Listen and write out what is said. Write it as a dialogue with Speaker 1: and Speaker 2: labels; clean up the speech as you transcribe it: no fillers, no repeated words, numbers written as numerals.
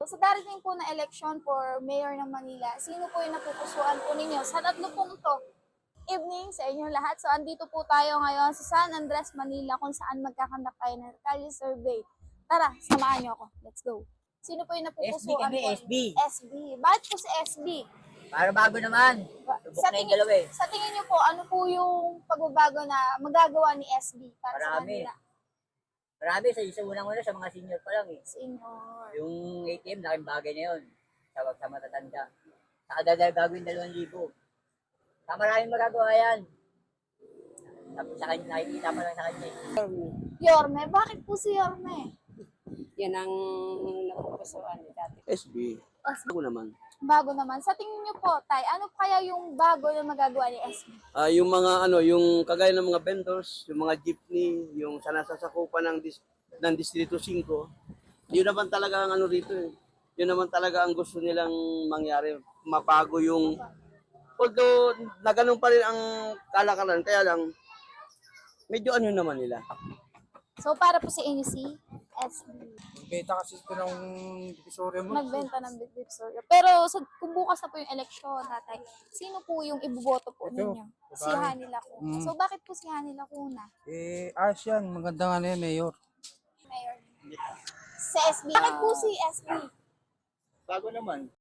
Speaker 1: Sa darating po na election for Mayor ng Manila, sino po yung napupusuan po ninyo? Sa tatlo pong to, evening sa inyong lahat. So, andito po tayo ngayon sa San Andres, Manila, kung saan magkakandak tayo ng Kalye Survey. Tara, samahan niyo ako. Let's go. Sino po yung napupusuan
Speaker 2: kami,
Speaker 1: po?
Speaker 2: SB.
Speaker 1: SB. Bakit po si SB?
Speaker 2: Para bago naman. Subok na yung dalawa eh.
Speaker 1: Sa tingin niyo po, ano po yung pagbabago na magagawa ni SB para sa
Speaker 2: Marami.
Speaker 1: kanila?
Speaker 2: Marami sa unang-una sa mga senior pa lang eh.
Speaker 1: Senior.
Speaker 2: Yung ATM, laking bagay na yun. Sa matatanda. Sa kadadal gagawin 2,000. Sa maraming magagawa yan. Tapos sa kanya, nakikita pa lang sa kanya eh.
Speaker 1: Yorme. Bakit po si Yorme?
Speaker 3: Yan ang napupusuan ni dati.
Speaker 4: SB. Ako naman.
Speaker 1: Bago naman. Sa tingin niyo po, Tay, ano kaya yung bago na magagawa ni SB?
Speaker 4: Yung mga yung kagaya ng mga vendors, yung mga jeepney, yung sanasasakupan ng Distrito 5. Yun naman talaga ang rito eh. Yun naman talaga ang gusto nilang mangyari. Mapago yung although na ganun pa rin ang kalakalan, kaya lang medyo naman nila.
Speaker 1: So, para po si NC, SB.
Speaker 5: Beta kasi ito ng divisorya mo.
Speaker 1: Nagbenta ng bitbit sorry. Pero kung bukas na po yung eleksyon, Tatay, sino po yung iboboto po
Speaker 5: Ito,
Speaker 1: ninyo? Si Hani Lacuna. So, bakit po si Hani Lacuna?
Speaker 5: Ayos yan. Maganda nga na yan, Mayor.
Speaker 1: Mayor. Sa SB. Bakit po si SB?
Speaker 4: Bago naman.